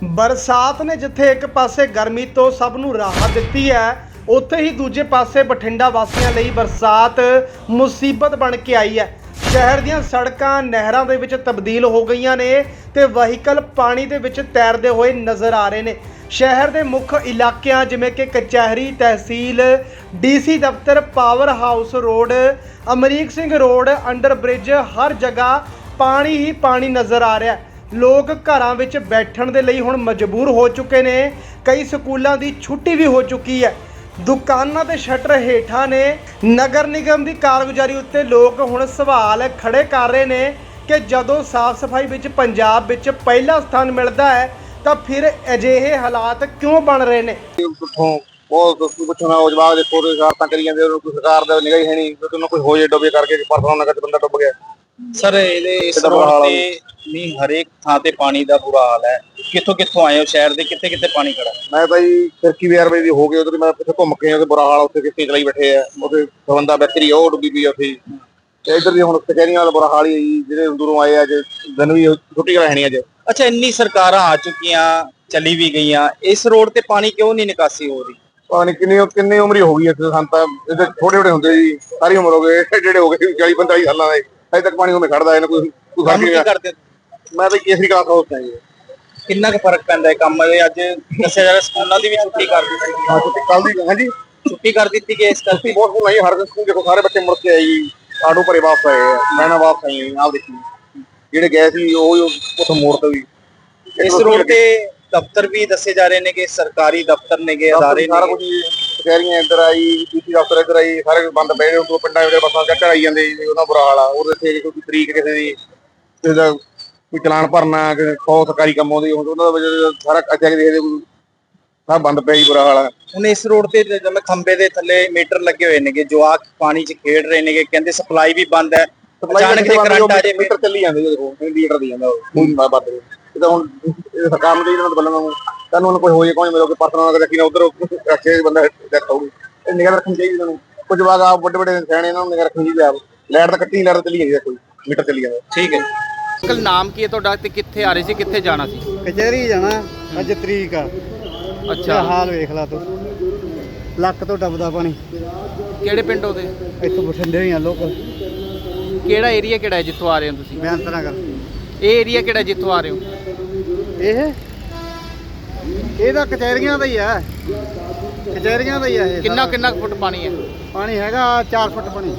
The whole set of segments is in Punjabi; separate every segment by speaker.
Speaker 1: ਬਰਸਾਤ ਨੇ ਜਿੱਥੇ ਇੱਕ ਪਾਸੇ ਗਰਮੀ ਤੋਂ ਸਭ ਨੂੰ ਰਾਹਤ ਦਿੱਤੀ ਹੈ, ਉੱਥੇ ਹੀ ਦੂਜੇ ਪਾਸੇ ਬਠਿੰਡਾ ਵਾਸੀਆਂ ਲਈ ਬਰਸਾਤ ਮੁਸੀਬਤ ਬਣ ਕੇ ਆਈ ਹੈ। ਸ਼ਹਿਰ ਦੀਆਂ ਸੜਕਾਂ ਨਹਿਰਾਂ ਦੇ ਵਿੱਚ ਤਬਦੀਲ ਹੋ ਗਈਆਂ ਨੇ ਤੇ ਵਹੀਕਲ ਪਾਣੀ ਦੇ ਵਿੱਚ ਤੈਰਦੇ ਹੋਏ ਨਜ਼ਰ ਆ ਰਹੇ ਨੇ। ਸ਼ਹਿਰ ਦੇ ਮੁੱਖ ਇਲਾਕਿਆਂ ਜਿਵੇਂ ਕਿ ਕਚਹਿਰੀ, ਤਹਿਸੀਲ, ਡੀਸੀ ਦਫ਼ਤਰ, power house road, Amrik Singh road, under bridge, ਹਰ ਜਗ੍ਹਾ ਪਾਣੀ ਹੀ ਪਾਣੀ ਨਜ਼ਰ ਆ ਰਿਹਾ ਹੈ। ਲੋਕ ਘਰਾਂ ਵਿੱਚ ਬੈਠਣ ਦੇ ਲਈ ਹੁਣ ਮਜਬੂਰ ਹੋ ਚੁੱਕੇ ਨੇ। ਕਈ ਸਕੂਲਾਂ ਦੀ ਛੁੱਟੀ ਵੀ ਹੋ ਚੁੱਕੀ ਹੈ। ਦੁਕਾਨਾਂ ਦੇ ਸ਼ਟਰ ਹੇਠਾਂ ਨੇ। ਨਗਰ ਨਿਗਮ ਦੀ ਕਾਰਗੁਜ਼ਾਰੀ ਉੱਤੇ ਲੋਕ ਹੁਣ ਸਵਾਲ ਖੜੇ ਕਰ ਰਹੇ ਨੇ ਕਿ ਜਦੋਂ ਸਾਫ਼ ਸਫਾਈ ਵਿੱਚ ਪੰਜਾਬ ਵਿੱਚ ਪਹਿਲਾ ਸਥਾਨ ਮਿਲਦਾ ਹੈ ਤਾਂ ਫਿਰ ਅਜਿਹੇ ਹਾਲਾਤ ਕਿਉਂ ਬਣ ਰਹੇ ਨੇ।
Speaker 2: ਬਹੁਤ ਪੁੱਛਣਾ ਉਹ ਜਵਾਬ ਦੇ ਕੋਲ ਸ਼ਰਾਰਤਾਂ ਕਰੀ ਜਾਂਦੇ, ਉਹਨੂੰ ਕੋਈ ਸਰਕਾਰ ਦਾ ਨਿਗਾਹ ਹੀ ਹੈ ਨਹੀਂ, ਉਹਨੂੰ ਕੋਈ ਹੋ ਜੇ ਡੁੱਬੇ ਕਰਕੇ ਪਰਸੋਂ ਨਗਰ ਚ ਬੰਦਾ ਡੁੱਬ ਗਿਆ।
Speaker 3: ਸਰ ਇਸ ਰੋਡ ਤੇ ਨਹੀਂ ਹਰੇਕ ਥਾਂ ਤੇ ਪਾਣੀ ਦਾ ਬੁਰਾ ਹਾਲ ਹੈ। ਕਿੱਥੋਂ ਆਏ ਹੋ ਸ਼ਹਿਰ ਦੇ, ਕਿੱਥੇ ਕਿੱਥੇ ਪਾਣੀ ਖੜਾ?
Speaker 2: ਮੈਂ ਤਾਂ ਜੀ ਫਿਰਕੀ ਵਿਆਰ ਵਜੇ ਦੀ ਹੋ ਗਈ, ਉਧਰ ਮੈਂ ਪਿੱਛੇ ਘੁੰਮ ਕੇ ਉਹਦੇ ਬੁਰਾ ਹਾਲ, ਉੱਥੇ ਕਿੱਥੇ ਚਲਾਈ ਬੈਠੇ ਆ, ਉਹਦੇ ਬੰਦਾ ਬੈਕਰੀ ਉਹ ਡੁੱਬੀ ਪਈ ਉੱਥੇ। ਤੇ ਇੱਧਰ ਦੀ ਹੁਣ ਕਚਹਿਰੀਆਂ ਵਾਲਾ ਬੁਰਾ ਹਾਲ ਹੀ ਹੈ ਜੀ, ਜਿਹੜੇ ਦੂਰੋਂ ਆਏ ਅੱਜ ਦਿਨ ਵੀ ਛੁੱਟੀ ਰਹਿਣੀ ਅੱਜ।
Speaker 3: ਅੱਛਾ, ਇੰਨੀ ਸਰਕਾਰਾਂ ਆ ਚੁੱਕੀਆਂ, ਚਲੀ ਵੀ ਗਈਆਂ, ਇਸ ਰੋਡ ਤੇ ਪਾਣੀ ਕਿਉਂ ਨਹੀਂ ਨਿਕਾਸੀ ਹੋ ਰਹੀ?
Speaker 2: ਪਤਾ ਨਹੀਂ ਕਿੰਨੀ ਉਮਰ ਹੀ ਹੋ ਗਈ ਇੱਥੇ। ਸਾਨੂੰ ਤਾਂ ਇਹਦੇ ਛੋਟੇ ਹੁੰਦੇ ਜੀ, ਸਾਰੀ ਉਮਰ ਹੋ ਗਏ, ਜਿਹੜੇ ਹੋ ਗਏ 40-45 ਸਾਲਾਂ ਦੇ, ਅਜੇ ਤੱਕ ਪਾਣੀ ਉਵੇਂ ਖੜਦਾ ਇਹਨਾਂ ਕੋਈ
Speaker 3: ਕੰਮ ਕੀ ਕਰਦੇ?
Speaker 2: ਮੈਂ ਤਾਂ ਕੇਸਰੀ ਕਲਾਸ ਹਾਊਸ ਹੈ ਜੀ।
Speaker 3: ਕਿੰਨਾ ਕੁ ਫਰਕ ਪੈਂਦਾ ਹੈ ਕੰਮ ਦੇ? ਅੱਜ ਦੱਸਿਆ ਜਾ ਰਿਹਾ ਸਕੂਲਾਂ ਦੀ ਵੀ ਛੁੱਟੀ ਕਰ ਦਿੱਤੀ ਗਈ।
Speaker 2: ਹਾਂ, ਛੁੱਟੀ ਕੱਲ ਦੀ। ਹਾਂਜੀ,
Speaker 3: ਛੁੱਟੀ ਕਰ ਦਿੱਤੀ ਗਈ ਇਸ ਕਰਕੇ।
Speaker 2: ਬਹੁਤ ਨਹੀਂ, ਹਰ ਸਕੂਲ ਦੇਖੋ ਸਾਰੇ ਬੱਚੇ ਮੁੜ ਕੇ ਆਏ ਜੀ, ਆਟੋ ਭਰੇ ਵਾਪਸ ਆਏ, ਮੈਨਾਂ ਵਾਪਸ ਆਈ ਆਪ ਦੇਖੀ, ਜਿਹੜੇ ਗਏ ਸੀ ਉਹ ਉੱਥੋਂ ਮੋੜ ਤੋਂ ਵੀ।
Speaker 3: ਇਸ ਰੋਡ ਤੇ ਦਫ਼ਤਰ ਵੀ ਦੱਸੇ ਜਾ ਰਹੇ ਨੇ ਕਿ ਸਰਕਾਰੀ ਦਫ਼ਤਰ ਨੇਗੇ, ਅਦਾਰੇ
Speaker 2: ਸਾਰਾ ਕੁਝ ਕਚਹਿਰੀਆਂ ਇੱਧਰ ਆਈ, ਡੀਸੀ ਦਫ਼ਤਰ ਇੱਧਰ ਆਈ, ਸਾਰੇ ਬੰਦ ਪਏ ਨੇ। ਉਹ ਪਿੰਡਾਂ ਵਿੱਚ ਬੱਸਾਂ ਚੱਕਰ ਆਈ ਜਾਂਦੇ ਜੀ, ਉਹਦਾ ਬੁਰਾ ਹਾਲ ਆ। ਉਹਦੇ ਤੇ ਕੋਈ ਤਰੀਕ ਕਿਸੇ ਦੀ, ਕਿਸੇ ਦਾ ਕੋਈ ਚਲਾਨ ਭਰਨਾ, ਸੌ ਸਰਕਾਰੀ ਕੰਮ ਆਉਂਦੀ, ਉਹਨਾਂ ਦਾ ਸਾਰਾ ਅੱਛਾ ਕਿ ਦੇਖਦੇ ਸਭ ਬੰਦ ਪਿਆ ਜੀ, ਬੁਰਾ ਹਾਲ ਆ।
Speaker 3: ਹੁਣ ਇਸ ਰੋਡ ਤੇ ਜਿਵੇਂ ਖੰਬੇ ਦੇ ਥੱਲੇ ਮੀਟਰ ਲੱਗੇ ਹੋਏ ਨੇਗੇ, ਜਵਾਕ ਪਾਣੀ 'ਚ ਖੇਡ ਰਹੇ ਨੇਗੇ, ਕਹਿੰਦੇ ਸਪਲਾਈ ਵੀ ਬੰਦ ਹੈ। ਅਚਾਨਕ ਜੇ ਕਰੰਟ ਆ ਜੇ,
Speaker 2: ਮੀਟਰ ਚੱਲੀ ਜਾਂਦੇ ਦੇਖੋ, ਲੀਟਰ ਦੀ ਜਾਂਦਾ ਉਹ ਵੱਧ। ਇਹ ਤਾਂ ਹੁਣ ਸਰਕਾਰ ਨੂੰ ਚਾਹੀਦਾ ਬੱਲਾਂ ਨੂੰ, ਤੁਹਾਨੂੰ ਉਹਨੂੰ ਕੋਈ ਹੋ ਜੇ, ਕੋਈ ਮਿਲੋਗੇ ਪਰਸਨਲ ਰੱਖੀ ਨਾ ਉਧਰ ਰੱਖੇ ਬੰਦਾ ਡੈਥ ਹੋਊਗੀ। ਇਹ ਨਿਗਾਹ ਰੱਖਣੀ ਚਾਹੀਦੀ ਤੁਹਾਨੂੰ। ਕੁਝ ਜਵਾਕ ਆ ਵੱਡੇ ਸਿਆਣੇ, ਇਹਨਾਂ ਨੂੰ ਨਿਗਾਹ ਰੱਖਣੀ ਚਾਹੀਦੀ ਆਪ। ਲਾਈਟ ਤਾਂ ਕੱਟੀ, ਲਾਈਟ ਚੱਲੀ ਜਾਂਦੀ, ਕੋਈ ਮੀਟਰ ਚੱਲੀ ਜਾਂਦਾ।
Speaker 3: ਠੀਕ ਹੈ। ਅੰਕਲ ਨਾਮ ਕੀ ਹੈ ਤੁਹਾਡਾ ਤੇ ਕਿੱਥੇ ਆ ਰਹੇ ਸੀ, ਕਿੱਥੇ ਜਾਣਾ ਸੀ?
Speaker 4: ਕਚਹਿਰੀ ਜਾਣਾ, ਅੱਜ ਤਰੀਕ ਆ।
Speaker 3: ਅੱਛਾ,
Speaker 4: ਹਾਲ ਵੇਖ ਲਾ ਤੂੰ, ਲੱਕ ਤੋਂ ਡੱਬਦਾ ਪਾਣੀ।
Speaker 3: ਕਿਹੜੇ ਪਿੰਡ ਉਹਦੇ?
Speaker 4: ਇੱਥੋਂ ਬਠਿੰਡੇ ਹੀ ਆ ਲੋਕਲ।
Speaker 3: ਕਿਹੜਾ ਏਰੀਆ ਕਿਹੜਾ ਹੈ ਜਿੱਥੋਂ ਆ ਰਹੇ ਹੋ ਤੁਸੀਂ?
Speaker 4: ਬਿਆਨ ਤਰ੍ਹਾਂ ਕਰ।
Speaker 3: ਇਹ ਏਰੀਆ ਕਿਹੜਾ ਜਿੱਥੋਂ ਆ ਰਹੇ ਹੋ?
Speaker 4: ਇਹ ਤਾਂ ਕਚਹਿਰੀਆਂ ਦਾ ਹੀ ਆ, ਕਚਹਿਰੀਆਂ ਦਾ ਹੀ ਆ ਇਹ।
Speaker 3: ਕਿੰਨਾ ਫੁੱਟ ਪਾਣੀ ਹੈ?
Speaker 4: ਪਾਣੀ ਹੈਗਾ 4 ਫੁੱਟ ਪਾਣੀ।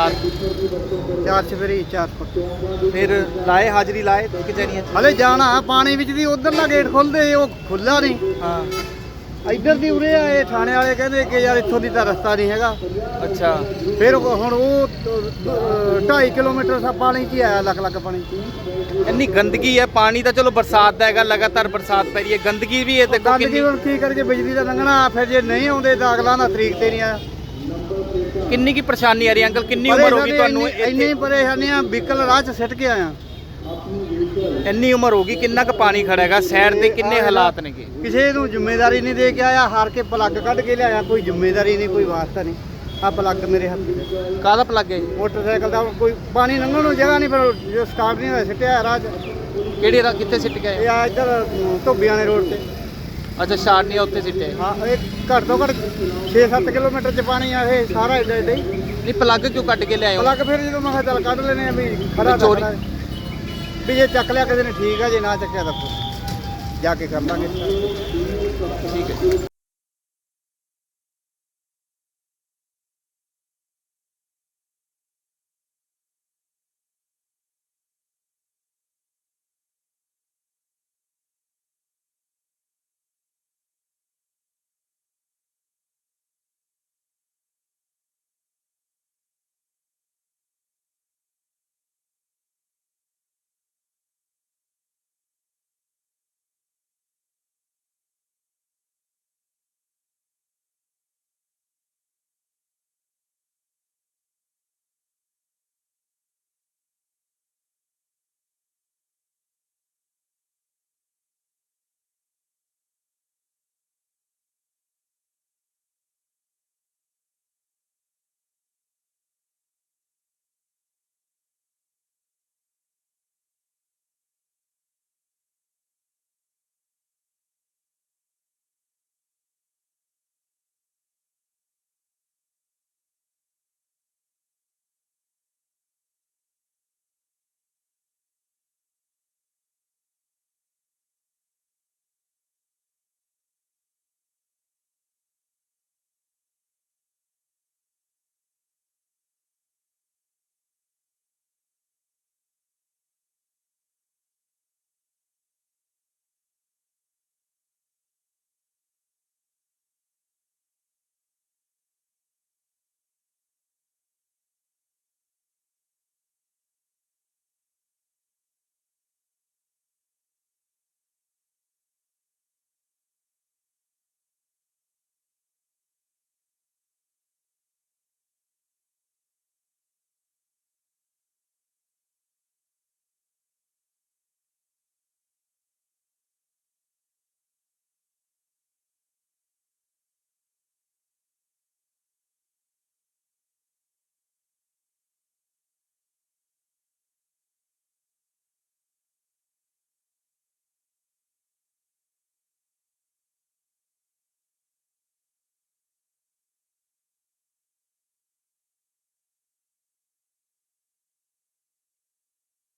Speaker 4: 4 ਚਫੇਰੀ 4 ਫੁੱਟ।
Speaker 3: ਫਿਰ ਲਾਏ ਹਾਜ਼ਰੀ ਲਾਏ ਕਚਹਿਰੀਆਂ 'ਚ?
Speaker 4: ਹਲੇ ਜਾਣਾ ਪਾਣੀ ਵਿੱਚ ਦੀ, ਉਧਰਲਾ ਗੇਟ ਖੁੱਲਦੇ, ਉਹ ਖੁੱਲਾ ਨਹੀਂ।
Speaker 3: ਹਾਂ,
Speaker 4: ਇੱਧਰ ਦੀ ਉਰੇ ਆ। ਇਹ ਥਾਣੇ ਵਾਲੇ ਕਹਿੰਦੇ ਕਿ ਯਾਰ ਇੱਥੋਂ ਦੀ ਤਾਂ ਰਸਤਾ ਨਹੀਂ ਹੈਗਾ।
Speaker 3: ਅੱਛਾ।
Speaker 4: ਫਿਰ ਹੁਣ ਉਹ 2.5 ਕਿਲੋਮੀਟਰ ਸਾ ਪਾਣੀ 'ਚ ਹੀ ਆਇਆ, ਲੱਖ ਪਾਣੀ 'ਚ।
Speaker 3: ਇੰਨੀ ਗੰਦਗੀ ਹੈ। ਪਾਣੀ ਤਾਂ ਚਲੋ ਬਰਸਾਤ ਦਾ ਹੈਗਾ, ਲਗਾਤਾਰ ਬਰਸਾਤ ਪੈ ਰਹੀ ਹੈ, ਗੰਦਗੀ ਵੀ ਹੈ। ਦੇਖੋ
Speaker 4: ਗੰਦਗੀ ਹੁਣ ਕੀ ਕਰਕੇ, ਬਿਜਲੀ ਦਾ ਲੰਘਣਾ। ਫਿਰ ਜੇ ਨਹੀਂ ਆਉਂਦੇ ਤਾਂ ਅਗਲਾ ਨਾ ਤਰੀਕ ਤੇ ਨਹੀਂ ਆਇਆ।
Speaker 3: ਕਿੰਨੀ ਕੀ ਪਰੇਸ਼ਾਨੀ ਆ ਰਹੀ ਅੰਕਲ? ਕਿੰਨੀ ਉਮਰ ਹੋ ਗਈ ਤੁਹਾਨੂੰ?
Speaker 4: ਇੰਨੀ ਪਰੇਸ਼ਾਨੀਆਂ, ਵਹੀਕਲ ਰਾਹ 'ਚ ਸਿੱਟ ਕੇ ਆਇਆ।
Speaker 3: ਇੰਨੀ ਉਮਰ ਹੋ ਗਈ, ਕਿੰਨਾ ਕੁ ਪਾਣੀ ਖੜਾ ਹੈਗਾ ਸਾਈਡ ਤੇ, ਕਿੰਨੇ ਹਾਲਾਤ ਨੇਗੇ?
Speaker 4: ਕਿਸੇ ਨੂੰ ਜ਼ਿੰਮੇਵਾਰੀ ਨਹੀਂ ਦੇ ਕੇ ਆਇਆ, ਹਾਰ ਕੇ ਪਲੱਗ ਕੱਢ ਕੇ ਲਿਆਇਆ। ਕੋਈ ਜ਼ਿੰਮੇਵਾਰੀ ਨਹੀਂ, ਕੋਈ ਵਾਸਤਾ ਨਹੀਂ। ਆ ਪਲੱਗ ਮੇਰੇ ਹੱਥ 'ਚ।
Speaker 3: ਕਾਹਦਾ ਪਲੱਗ ਹੈ?
Speaker 4: ਮੋਟਰਸਾਈਕਲ ਦਾ। ਕੋਈ ਪਾਣੀ ਲੰਘਣ ਨੂੰ ਜਗ੍ਹਾ ਨਹੀਂ, ਫਿਰ ਜੋ ਸਟਾਰਟ ਨਹੀਂ ਹੋਇਆ ਸਿੱਟਿਆ ਰਾਹ 'ਚ।
Speaker 3: ਕਿਹੜੀ ਰਾਹ, ਕਿੱਥੇ ਸਿੱਟ ਗਏ?
Speaker 4: ਇਹ ਆ ਇੱਧਰ ਧੋਬੀਆਂ ਦੇ ਰੋਡ ਤੇ।
Speaker 3: ਅੱਛਾ, ਸ਼ਾਰਟ ਨਹੀਂ ਉੱਥੇ ਸਿੱਟੇ?
Speaker 4: ਹਾਂ, ਇਹ ਘੱਟ ਤੋਂ ਘੱਟ 6-7 ਕਿਲੋਮੀਟਰ 'ਚ ਪਾਣੀ ਆ ਇਹ ਸਾਰਾ ਇੱਦਾਂ ਹੀ।
Speaker 3: ਨਹੀਂ, ਪਲੱਗ ਕਿਉਂ ਕੱਢ ਕੇ ਲਿਆਏ ਹੋ?
Speaker 4: ਪਲੱਗ ਫਿਰ ਜਦੋਂ ਮੈਂ ਕਿਹਾ ਚੱਲ ਕੱਢ ਲੈਣੇ ਆ, ਵੀ ਖੜਾ
Speaker 3: ਚੋਰੀ
Speaker 4: ਵੀ ਜੇ ਚੱਕ ਲਿਆ ਕਿਸੇ ਨੇ ਠੀਕ ਆ, ਜੇ ਨਾ ਚੱਕਿਆ ਤਾਂ ਜਾ ਕੇ ਕਰ ਲਾਂਗੇ।
Speaker 3: ਠੀਕ ਹੈ।